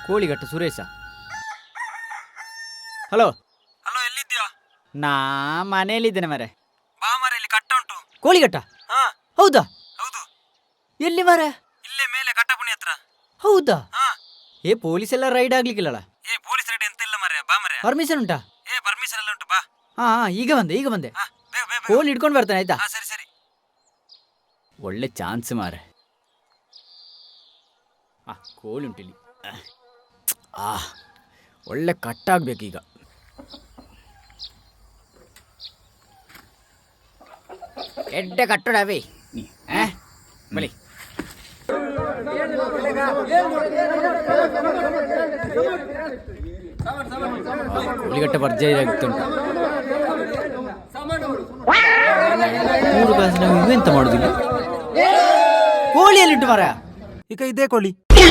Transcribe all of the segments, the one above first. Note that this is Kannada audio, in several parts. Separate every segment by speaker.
Speaker 1: ಕೋಳಿಘಟ್ಟ ಸುರೇಶ. ಹಲೋ
Speaker 2: ಹಲೋ, ಎಲ್ಲಿದ್ಯಾ?
Speaker 1: ನಾ ಮನೆಯಲ್ಲಿದ್ದೇನೆ ಮರೆ.
Speaker 2: ಬಾ ಮಾರೆ, ಇಲ್ಲಿ ಕಟ್ಟ ಉಂಟು.
Speaker 1: ಕೋಳಿಘಟ್ಟ?
Speaker 2: ಹಾ
Speaker 1: ಹೌದಾ?
Speaker 2: ಹೌದು,
Speaker 1: ಎಲ್ಲಿ ಮರೆ?
Speaker 2: ಇಲ್ಲೇ ಮೇಲೆ ಕಟ್ಟಪುಣಿ ಹತ್ರ.
Speaker 1: ಹೌದಾ?
Speaker 2: ಹಾ.
Speaker 1: ಏ ಪೊಲೀಸ್ ಎಲ್ಲ ರೈಡ್ ಆಗ್ಲಿಕ್ಕಿಲ್ಲಲ್ಲ?
Speaker 2: ಏ ಪೊಲೀಸ್ ರೆಡಿ ಎಂತ ಇಲ್ಲ ಮಾರೆ, ಬಾ ಮಾರೆ.
Speaker 1: ಪರ್ಮಿಷನ್ ಉಂಟಾ?
Speaker 2: ಏ ಪರ್ಮಿಷನ್ ಎಲ್ಲ ಉಂಟು, ಬಾ.
Speaker 1: ಹಾ ಈಗ ಬಂದೆ.
Speaker 2: ಹಾ, ಬೇಗ ಬೇಗ ಬೇಗ.
Speaker 1: ಕೋಳಿ ಹಿಡ್ಕೊಂಡು ಬರ್ತೇನೆ ಆಯ್ತಾ?
Speaker 2: ಹಾ, ಸರಿ ಸರಿ.
Speaker 1: ಒಳ್ಳೆ ಚಾನ್ಸ್ ಮಾರೆ. ಕೋಳಿ ಉಂಟಿಲ್ಲಿ. ಒಳ್ಳೆ ಕಟ್ಟಾಗ್ಬೇಕೀಗ. ಎಡ್ಡೆ ಕಟ್ಟಡವೇ ಬಳಿ. ಕೋಳಿಗಟ್ಟೆ ಭರ್ಜರಿ ಆಗ್ತುಂಟು. 3 ಕಾಸು ನಾವು ಇವೆಂತ ಮಾಡುದಿಲ್ಲ. ಕೋಳಿಯಲ್ಲಿಟ್ಟು ಮರ.
Speaker 2: ಈಗ ಇದೇ ಕೋಳಿ.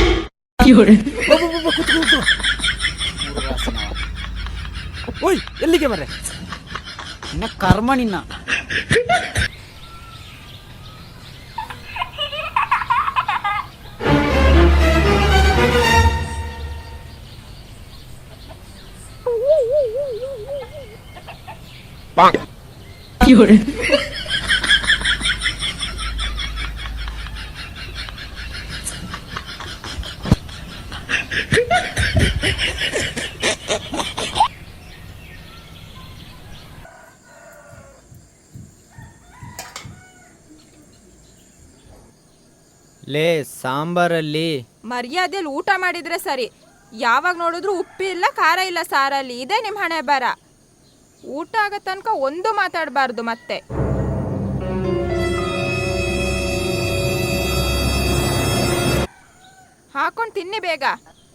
Speaker 2: ಓಯ್, ಎಲ್ಲಿಗೆ ಮರೆ?
Speaker 1: ನಿನ್ನ ಕರ್ಮ ನಿನ್ನ. ಲೇ ಸಾಂಬಾರಲ್ಲಿ
Speaker 3: ಮರ್ಯಾದೆಯಲ್ಲಿ ಊಟ ಮಾಡಿದ್ರೆ ಸರಿ. ಯಾವಾಗ ನೋಡಿದ್ರು ಉಪ್ಪಿಲ್ಲ ಖಾರ ಇಲ್ಲ ಸಾರಲ್ಲಿ. ಇದೇ ನಿಮ್ಮ ಹಣೆ ಬರ. ಊಟ ಆಗೋ ತನಕ ಒಂದು ಮಾತಾಡಬಾರ್ದು ಮತ್ತೆ. ಹಾಕೊಂಡು ತಿನ್ನಿ ಬೇಗ.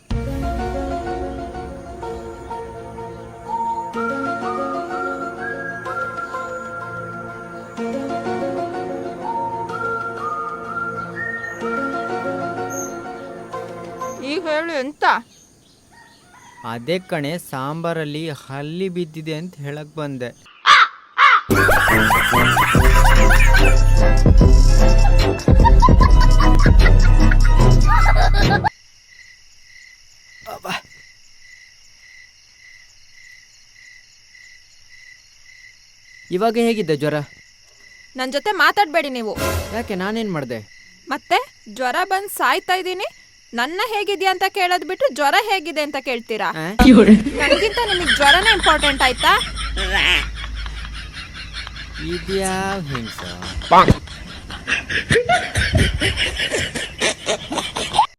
Speaker 3: ಈಗ ಹೇಳು ಎಂತ?
Speaker 1: ಅದೇ ಕಣೆ, ಸಾಂಬಾರಲ್ಲಿ ಹಲ್ಲಿ ಬಿದ್ದಿದೆ ಅಂತ ಹೇಳಕ್ ಬಂದೆ. ಇವಾಗ ಹೇಗಿದ್ದೆ ಜ್ವರ?
Speaker 3: ನನ್ನ ಜೊತೆ ಮಾತಾಡಬೇಡಿ ನೀವು.
Speaker 1: ಯಾಕೆ, ನಾನೇನ್ ಮಾಡ್ದೆ?
Speaker 3: ಮತ್ತೆ ಜ್ವರ ಬಂದು ಸಾಯ್ತಾ ಇದ್ದೀನಿ. ನನ್ನ ಹೇಗಿದ್ಯಾ ಅಂತ ಕೇಳೋದ್ ಬಿಟ್ಟು ಜ್ವರ ಹೇಗಿದೆ ಅಂತ ಕೇಳ್ತೀರಾ? ನನಗಿಂತ ನಿಮಗೆ ಜ್ವರನೇ ಇಂಪಾರ್ಟೆಂಟ್ ಆಯ್ತಾ?
Speaker 1: ಇದ್ಯಾವ ಹೆಂಗ್ಸ?